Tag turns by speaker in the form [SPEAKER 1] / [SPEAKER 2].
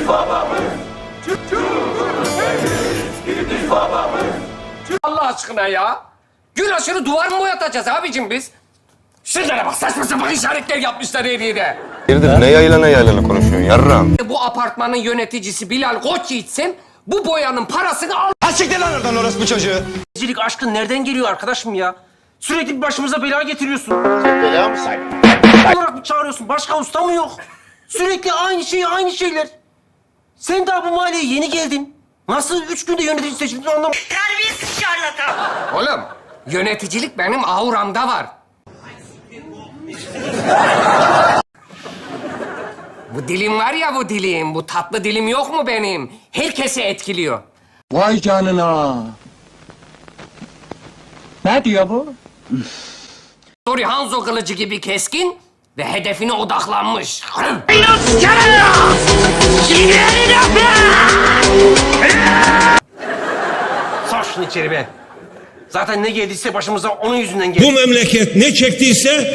[SPEAKER 1] Allah aşkına ya. Gün aşırı duvar mı boyatacağız abicim biz? Şunlara bak, saçma sapan işaretler yapmışlar her yere.
[SPEAKER 2] Hayırdır, ne yaylana konuşuyorsun yarram?
[SPEAKER 1] Bu apartmanın yöneticisi Bilal Koçyiğit'sem bu boyanın parasını al.
[SPEAKER 2] Ha siktir lan oradan orası bu çocuğu.
[SPEAKER 3] Gizlilik aşkın nereden geliyor arkadaşım ya? Sürekli bir başımıza bela getiriyorsun.
[SPEAKER 4] Bela mı sen?
[SPEAKER 3] olarak mı çağırıyorsun? Başka usta mı yok? Sürekli aynı şeyler. Sen daha bu mahalleye yeni geldin. Nasıl 3 günde yönetici seçildin anlamadım.
[SPEAKER 5] Terbiyesiz şarlatan.
[SPEAKER 1] Oğlum, yöneticilik benim auramda var. Bu dilim var ya bu dilim, bu tatlı dilim yok mu benim? Herkesi etkiliyor.
[SPEAKER 6] Vay canına. Ne diyor bu?
[SPEAKER 1] Dori Hanzo kılıcı gibi keskin ve hedefine odaklanmış.
[SPEAKER 3] Sar şunu içeri be. Zaten ne geldiyse başımıza onun yüzünden geldi.
[SPEAKER 7] Bu memleket ne çektiyse